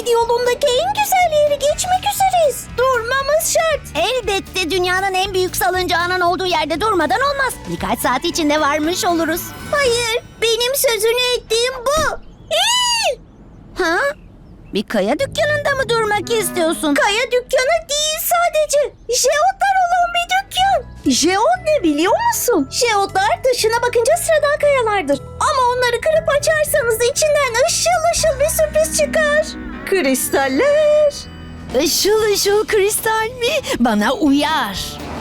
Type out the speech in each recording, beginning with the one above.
Speed yolundaki en güzel yeri geçmek üzereyiz. Durmamız şart. Elbette dünyanın en büyük salıncağının olduğu yerde durmadan olmaz. Birkaç saat içinde varmış oluruz. Hayır, benim sözünü ettiğim bu. Ha? Bir kaya dükkanında mı durmak istiyorsun? Kaya dükkanı değil sadece. Jeotlar olan bir dükkan. Jeot ne biliyor musun? Jeotlar dışına bakınca sıradan kayalardır. Ama onları kırıp açarsanız içinden ışıl ışıl bir sürpriz çıkar. Kristaller. Işıl ışıl kristal mi? Bana uyar.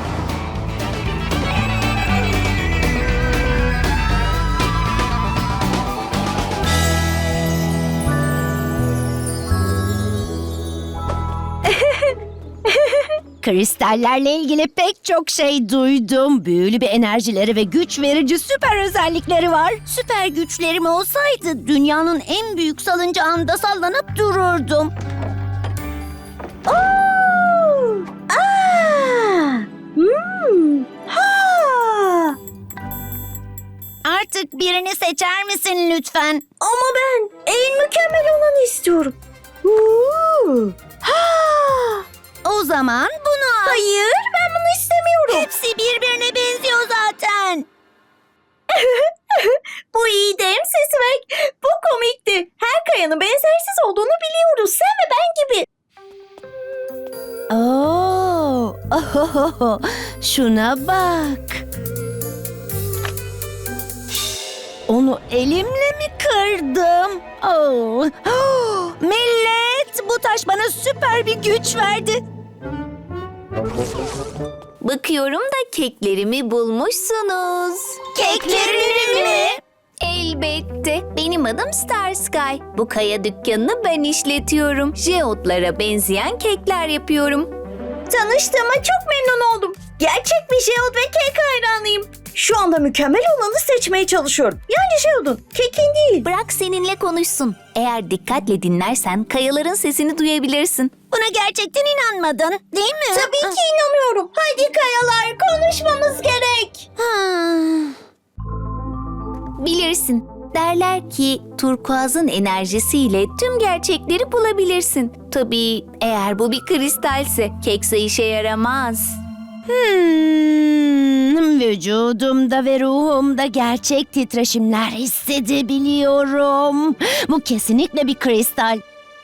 Kristallerle ilgili pek çok şey duydum. Büyülü bir enerjileri ve güç verici süper özellikleri var. Süper güçlerim olsaydı dünyanın en büyük salıncağında sallanıp dururdum. Oo! Aa! Ha! Artık birini seçer misin lütfen? Ama ben en mükemmel olanı istiyorum. Ha! O zaman bunu al. Hayır, ben bunu istemiyorum. Hepsi birbirine benziyor zaten. Bu iyi değil mi Sesmek? Bu komikti. Her kayanın benzersiz olduğunu biliyoruz. Sen ve ben gibi. Oo, ohohoho, şuna bak. Onu elimle mi kırdım? Oh. Oh, millet, bu taş bana süper bir güç verdi. Bakıyorum da keklerimi bulmuşsunuz. Keklerini mi? Elbette. Benim adım Star Sky. Bu kaya dükkanını ben işletiyorum. Jeotlara benzeyen kekler yapıyorum. Tanıştığıma çok memnun oldum. Gerçek bir Jeot ve kek hayranıyım. Şu anda mükemmel olanı seçmeye çalışıyorum. Yani Jeot'un, kekin değil. Bırak seninle konuşsun. Eğer dikkatle dinlersen kayaların sesini duyabilirsin. Buna gerçekten inanmadın, değil mi? Tabii ki inanıyorum. Hadi kayalar, konuşmamız gerek. Bilirsin. Derler ki turkuazın enerjisiyle tüm gerçekleri bulabilirsin. Tabii eğer bu bir kristalse kekse işe yaramaz. Vücudumda ve ruhumda gerçek titreşimler hissedebiliyorum. Bu kesinlikle bir kristal.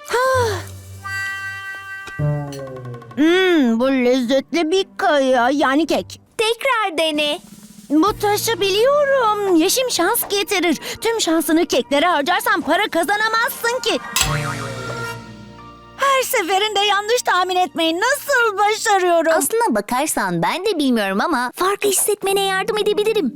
Bu lezzetli bir kaya, yani kek. Tekrar dene. Bu taşı biliyorum. Yeşim şans getirir. Tüm şansını keklere harcarsan para kazanamazsın ki. Her seferinde yanlış tahmin etmeyi nasıl başarıyorum? Aslına bakarsan ben de bilmiyorum ama farkı hissetmene yardım edebilirim.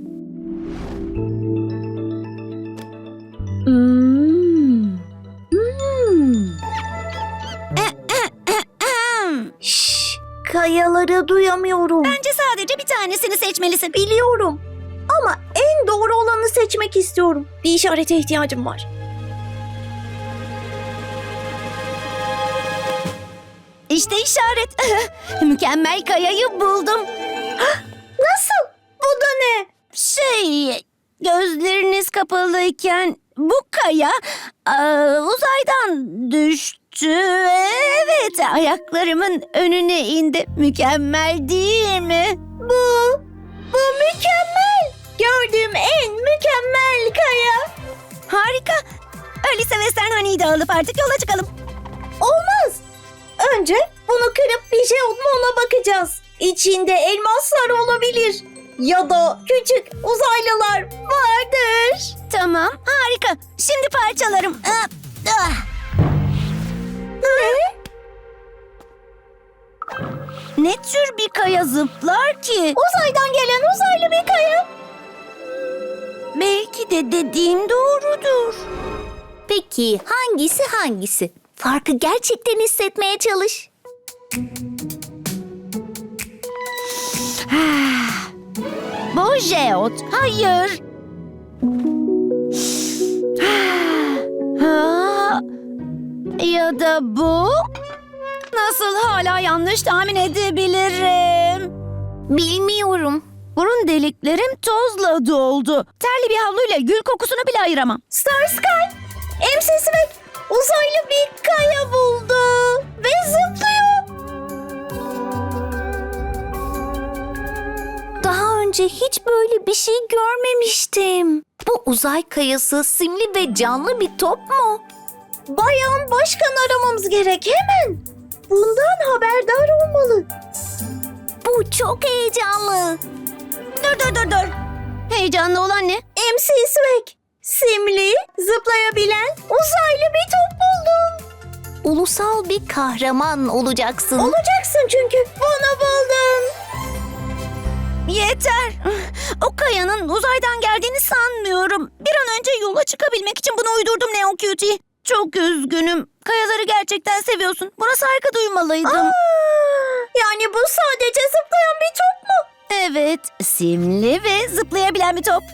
Şşş, kayaları duyamıyorum. Bence sadece bir tanesini seçmelisin. Biliyorum. Ama en doğru olanı seçmek istiyorum. Bir işarete ihtiyacım var. İşte işaret. Mükemmel kayayı buldum. Nasıl? Bu da ne? Gözleriniz kapalıyken bu kaya uzaydan düştü. Evet, ayaklarımın önüne indi. Mükemmel değil mi? Bu mükemmel. Gördüğüm en mükemmel kaya. Harika. Öyleyse Western Honey'i de alıp artık yola çıkalım. Olmaz. Önce bunu kırıp bir Jeot mu ona bakacağız. İçinde elmaslar olabilir. Ya da küçük uzaylılar vardır. Tamam, harika. Şimdi parçalarım. Ne? Ne tür bir kaya zıplar ki? Uzaydan gelen uzaylı bir kaya. Belki de dediğim doğrudur. Peki hangisi? Farkı gerçekten hissetmeye çalış. Bu Jeot. Hayır. Ha, ya da bu? Nasıl hala yanlış tahmin edebilirim? Bilmiyorum. Burun deliklerim tozla doldu. Terli bir havluyla gül kokusunu bile ayıramam. Star Sky, MC Swag, uzaylı bir kaya buldu ve zıplıyor. Daha önce hiç böyle bir şey görmemiştim. Bu uzay kayası simli ve canlı bir top mu? Bayan Başkan aramamız gerek hemen. Bundan haberdar olmalı. Bu çok heyecanlı. Dur. Heyecanlı olan ne? MC Swag, simli, zıplayabilen uzaylı bir top buldum. Ulusal bir kahraman olacaksın. Olacaksın çünkü bunu buldun. Yeter. O kayanın uzaydan geldiğini sanmıyorum. Bir an önce yola çıkabilmek için bunu uydurdum Neo Cutie. Çok üzgünüm. Kayaları gerçekten seviyorsun. Buna saygı duymalıydım. Yani bu sadece zıplayan bir top mu? Evet, simli ve zıplayabilen bir top.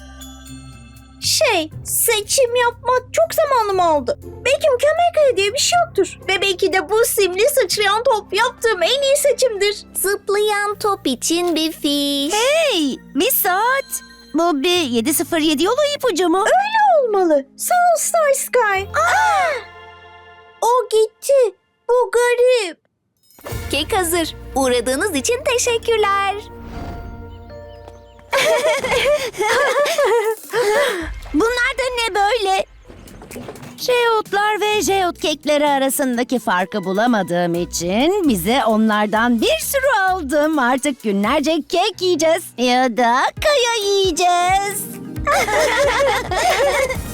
Seçim yapmak çok zamanım aldı. Belki mükemmel kaya diye bir şey yoktur. Ve belki de bu simli sıçrayan top yaptığım en iyi seçimdir. Zıplayan top için bir fiş. Hey, bir saat. Bu bir 707 yolu ipucu mu? Olmalı. Sağ ol Star Sky. O gitti. Bu garip. Kek hazır. Uğradığınız için teşekkürler. Bunlar da ne böyle? Jeotlar ve jeot kekleri arasındaki farkı bulamadığım için bize onlardan bir sürü aldım. Artık günlerce kek yiyeceğiz ya da kaya yiyeceğiz.